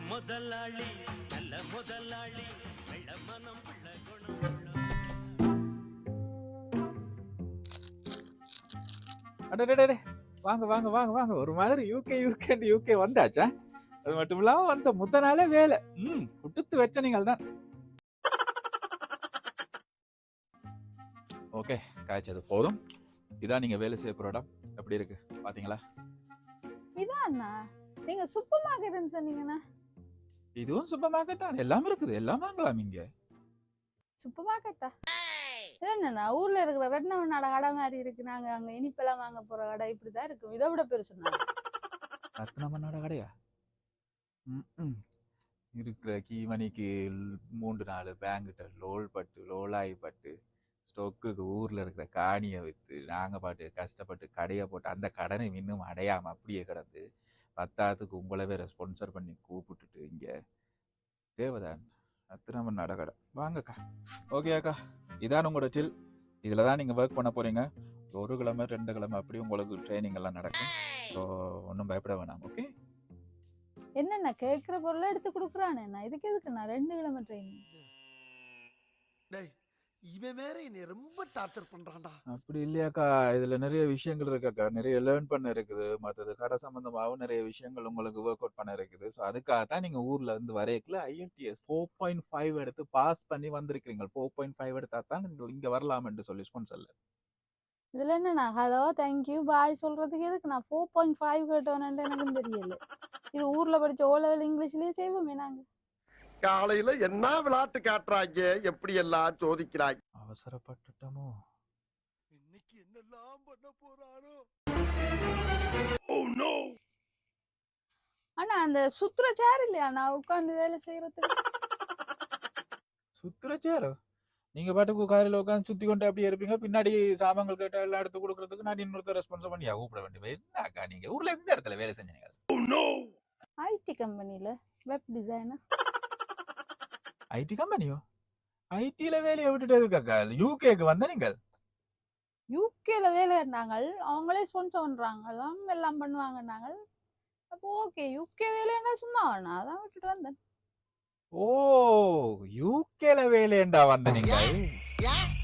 முதலாளி நல்ல முதலாளி வெள்ள மனம் உள்ள குணம் அடடடே, வாங்க வாங்க வாங்க வாங்க. ஒரு மாதிரி யூகே வந்தாச்சா? அது மட்டும் இல்லாம வந்த முத நாளே வேலை. குடுத்து வச்ச நீங்கள் தான். ஓகே, காய்ச்சது போதும். இதான் நீங்க வேலை செய்ய போற இடம். எப்படி இருக்கு பாத்தீங்களா? இதான் நீங்க சூப்பர் மார்க்கெட்னு சொன்னீங்கண்ணா. இதுவும் சூப்பர் மார்க்கெட் தான். எல்லாம் இருக்குது, எல்லாம் வாங்கலாம் இங்க. சூப்பர் மார்க்கெட்டா? என்னண்ணா ஊர்ல இருக்கிற ரெட்னவனோட கடை மாதிரி இருக்கு. நாங்க அங்க இனிப்பெல்லாம் வாங்க போற கடை இப்படிதான் இருக்கும். இதை விட பெருசுண்ணா. ரத்னமன்னோட கடையா? இருக்கிற கீமணிக்கு 3-4 பேங்கிட்ட லோலாய் பட்டு ஸ்டொக்குக்கு ஊர்ல இருக்கிற காணியை விற்று நாங்க பாட்டு கஷ்டப்பட்டு கடையை போட்டு அந்த கடனை இன்னும் அடையாம அப்படியே கிடந்து பத்தாத்துக்கு உங்களவே ஸ்பான்சர் பண்ணி கூப்பிட்டுட்டு இங்க தேவதான் ரத்னமன் கடை வாங்கக்கா. ஓகே அக்கா, இதான் உங்களோட டில். இதுல தான் நீங்க ஒர்க் பண்ண போறீங்க. 1 கிழமை 2 கிழமை அப்படி உங்களுக்கு ட்ரைனிங் எல்லாம் நடக்கும். ஸோ ஒன்றும் பயப்பட வேணாம். ஓகே, என்னண்ணா கேட்கிற பொருளை எடுத்து கொடுக்குறானே. இதுக்கு எதுக்குண்ணா 2 கிழமை ட்ரைனிங்? இவன் வேற என்னை ரொம்ப டார்ச்சர் பண்றான்டா. அப்படி இல்லையாக்கா, இதுல நிறைய விஷயங்கள் இருக்காக்கா. நிறைய லேர்ன் பண்ண இருக்குது. மற்றது கடை சம்பந்தமாகவும் நிறைய விஷயங்கள் உங்களுக்கு ஒர்க் அவுட் பண்ண இருக்குது. ஸோ அதுக்காக தான் நீங்க ஊர்ல இருந்து வரையக்குள்ள IELTS 4.5 எடுத்து பாஸ் பண்ணி வந்திருக்கிறீங்க. 4.5 எடுத்தா தான் இங்க வரலாம் என்று சொல்லி ஸ்பான்சர்ல. இதுல என்னண்ணா ஹலோ தேங்க்யூ பாய் சொல்றதுக்கு எதுக்கு நான் 4.5 கேட்டோன்னு எனக்கும் தெரியல. இது ஊர்ல படிச்ச O level இங்கிலீஷ்லயே செய்வோமே நாங்க. காலையில என்ன விளையாட்டு காட்டுறாங்க, எப்படி எல்லாம் சோதிக்கிறாங்க. அவசரப்பட்டுட்டோமோ? இன்னைக்கு என்னெல்லாம் பண்ண போறாரோ. ஆனா அந்த சுத்துற சேர் இல்லையா நான் உட்காந்து வேலை செய்யறதுக்கு? சுத்துற சேரோ? நீங்க பாட்டுக்கு காரில் உட்காந்து சுத்தி கொண்டு அப்படியே இருப்பீங்க. பின்னாடி சாமான்கள் கேட்ட எல்லாம் எடுத்து கொடுக்கறதுக்கு நான் இன்னொருத்தர் ரெஸ்பான்ஸ் பண்ணியா கூப்பிட வேண்டிய என்னக்கா? நீங்க ஊர்ல எந்த இடத்துல வேலை செஞ்சீங்க? ஐடி கம்பெனில வெப் டிசைனர். ஐடி கம்பெனியோ? ஐடில வேலையை விட்டுட்டு யூகேக்கு வந்த நீங்கள்? யூகேல வேலை இருந்தாங்க, அவங்களே ஸ்பான்சர் பண்றாங்க, எல்லாம் பண்ணுவாங்க. நாங்கள் அப்போ ஓகே யூகே வேலைன்னா சும்மா வேணா அதான் விட்டுட்டு வந்தேன். ஓ, யூகேல வேலையண்டா வந்த நீங்கள்?